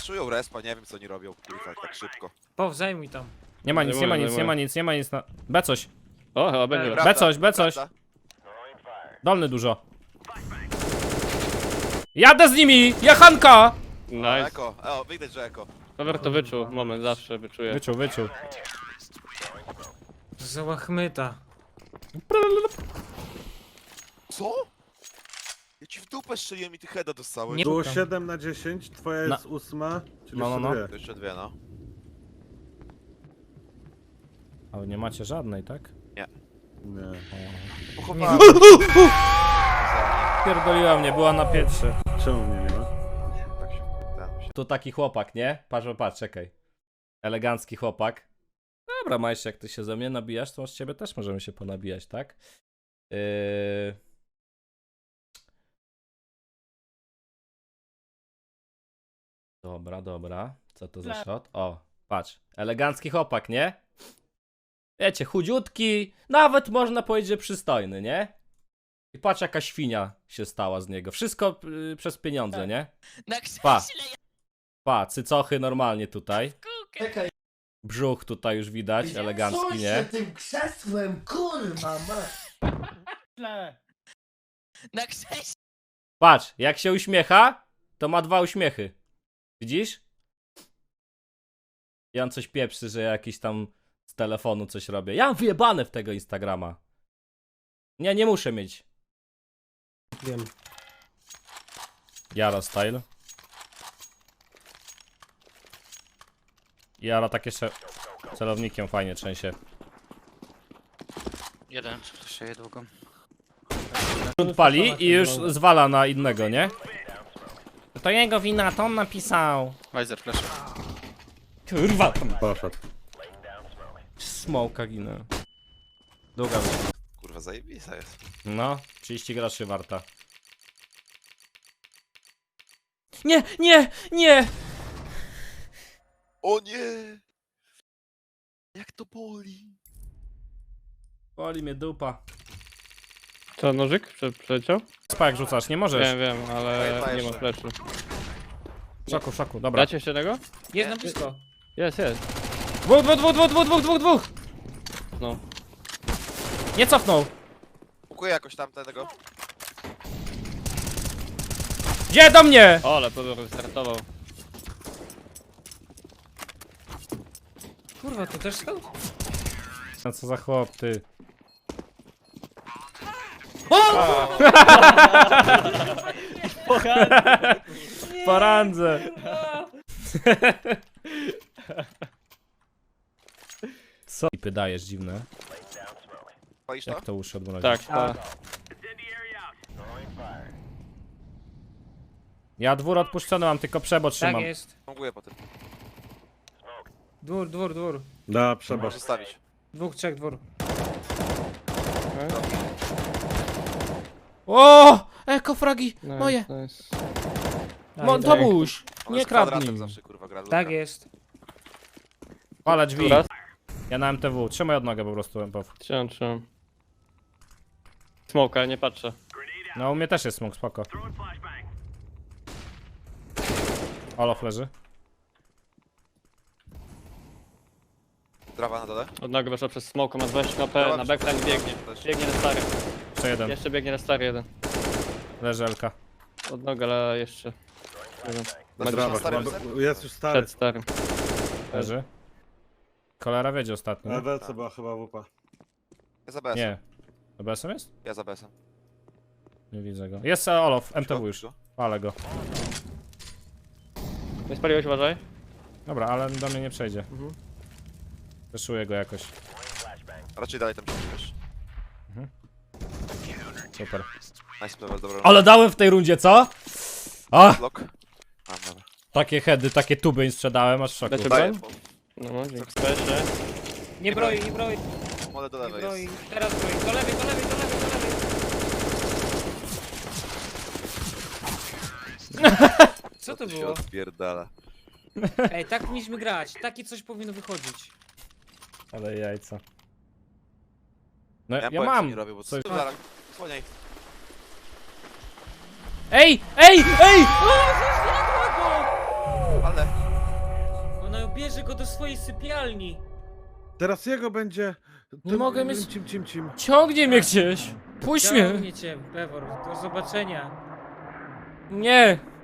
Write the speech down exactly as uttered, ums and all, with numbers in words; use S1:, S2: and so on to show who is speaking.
S1: Flashują respa, nie wiem co oni robią, kurwa, tak szybko.
S2: Po, zajmuj tam.
S3: Nie ma nic, nie ma nic, nie ma nic, nie ma nic na... B coś.
S4: O, chyba będzie.
S2: Dobra.
S3: B coś, B coś.
S1: Prawda?
S3: Dolny dużo. Jadę z nimi! Jachanka!
S1: O,
S4: Nice.
S1: eko, o, widać, że eko.
S4: Cover to wyczuł, moment, zawsze wyczuję.
S3: Wyczuł, wyczuł.
S2: Za łachmyta.
S1: Co? Ja ci w dupę strzeliłem i ty heada dostałeś.
S2: Nie-
S5: Było
S2: Tam.
S5: siedem na dziesięć, twoja
S3: Na-
S5: jest ósma, czyli
S3: No, no, no.
S5: jeszcze
S1: To jeszcze dwie, no.
S3: Ale nie macie żadnej, tak?
S5: dwie. Nie.
S1: Pochowałem.
S3: Pierdoliła mnie, była na pierwsze.
S5: Czemu mnie nie ma?
S1: Tak się, ten się.
S3: Tu taki chłopak, nie? Patrz, patrz, czekaj. Elegancki chłopak. Dobra, Majsz, jak ty się ze mnie nabijasz, to z ciebie też możemy się ponabijać, tak? Yy... Dobra, dobra. Co to za shot? O, patrz. Elegancki chłopak, nie? Wiecie, chudziutki, nawet można powiedzieć, że przystojny, nie? I patrz, jaka świnia się stała z niego. Wszystko yy, przez pieniądze, nie?
S6: Na
S3: Pa.
S6: krześle
S3: Pa, cycochy normalnie tutaj.
S6: Czekaj,
S3: Brzuch tutaj już widać, elegancki, nie?
S7: tym krzesłem, kurwa, ma.
S6: na krześle.
S3: Patrz, jak się uśmiecha, to ma dwa uśmiechy. Widzisz? I on coś pieprzy, że jakiś tam z telefonu coś robię. Ja mam wyjebane w tego Instagrama. Nie, nie muszę mieć.
S2: Wiem.
S3: Jara style. Jara tak jeszcze celownikiem fajnie trzęsie.
S8: Jeden, jeszcze długo.
S3: Grunt pali i już zwala na innego, nie? To jego wina, to on napisał.
S8: Weiser flash.
S3: Kurwa,
S5: Poszedł.
S3: smoka ginę. Długa.
S1: Kurwa, zajebista jest.
S3: No, trzydzieści groszy warta. Nie, nie, nie!
S1: O nie! Jak to boli?
S3: Boli mnie dupa.
S4: Co, nożyk Prze przeleciał?
S3: Spa jak rzucasz, nie możesz.
S4: Wiem, wiem, ale
S1: Daj,
S4: nie ma
S1: jeszcze.
S4: flashu.
S3: W szoku, w szoku, dobra.
S4: Dacie jeszcze jednego?
S2: Jest na blisko.
S4: Jest, jest.
S3: Dwóch, dwóch, dwóch, dwóch, dwóch, dwóch, dwóch, dwóch!
S4: No.
S3: Nie cofnął!
S1: Pukuję jakoś tam tego.
S3: Gdzie do mnie?
S4: O, ale Pedro wystartował.
S2: Kurwa, to też stał?
S3: No co za chłop, ty. Po randze. Co? I dajesz dziwne.
S1: Palisz to?
S3: Jak to uszy odmrozić?
S4: Tak, tak.
S3: Ja dwór odpuszczony mam, tylko przebo
S2: Tak
S3: trzymam.
S2: jest.
S1: Mogę potem.
S2: Dwór, dwór, dwór.
S5: Da, przebacz.
S1: Możesz zostawić.
S2: Dwóch, trzech, dwór.
S3: O! Ekofragi!
S4: Nice,
S3: Moje!
S4: nice.
S3: Mo,
S2: Daj,
S3: Tobuś!
S1: On
S3: Nie
S1: jest kwadratem
S3: kradnij!
S1: zawsze, kurwa, gra.
S2: Tak jest.
S3: Palę drzwi.
S4: Raz.
S3: Ja na M T W. Trzymaj od nogę po prostu, M P W.
S4: Trzymam, trzymam. Smoka, nie patrzę.
S3: No u mnie też jest smok, spoko. Olof leży.
S1: Trawa na dole.
S4: Od nogi weszła przez smoka, ma dwadzieścia H P,
S1: Dobra,
S4: na backline biegnie. Biegnie na stary.
S3: Jeszcze jeden.
S4: Jeszcze biegnie na stary jeden.
S3: Leży Elka.
S4: Od nogi, ale jeszcze. Jeden.
S1: Na
S4: Ma
S1: drzewo.
S4: dwa-
S1: starym
S5: Chyba-
S1: psem?
S5: Jest już stary.
S4: Przed starym.
S3: Leży. Kolera wiedzie ostatnio. nie?
S5: E W C była chyba wupa.
S1: Ja za B S-em.
S3: Nie. To B S M jest?
S1: Ja za B S-em.
S3: Nie widzę go. Jest e, Olof, M T W już. Palę go.
S4: Nie spaliłeś, uważaj.
S3: Dobra, ale do mnie nie przejdzie.
S4: Mhm.
S3: Zeszuję go jakoś.
S1: Raczej dalej tam się wiesz.
S3: Super.
S1: Nice level, dobra.
S3: Ale dałem w tej rundzie, co? A!
S1: Lock. A, dobra.
S3: Takie heady, takie tuby im sprzedałem, aż w szoku.
S4: Dacie
S1: Daję.
S4: broń? No, dzięki. Spesie.
S2: Nie broi, nie broi,
S1: Mole do
S2: nie
S1: lewej
S2: broi.
S1: jest.
S2: Teraz broi. Do lewej, do lewej, do lewej, do lewej. Co to
S1: się
S2: było?
S1: odpierdala.
S2: Ej, tak powinniśmy grać. Takie coś powinno wychodzić.
S3: Ale jajca. No
S1: Ja,
S3: ja,
S1: powiem, co
S3: mam.
S1: nie robię, bo
S3: coś...
S1: co... Zaraz, słoniaj.
S3: Ej! Ej! Ej!
S1: Ale.
S2: bierze go do swojej sypialni.
S5: Teraz jego będzie...
S3: Nie
S5: tym-
S3: mogę mieć-
S5: Cim, cim, cim.
S3: Ciągnie mnie gdzieś! Puść mnie!
S2: Ciągnie cię, Pewor, do zobaczenia.
S3: Nie!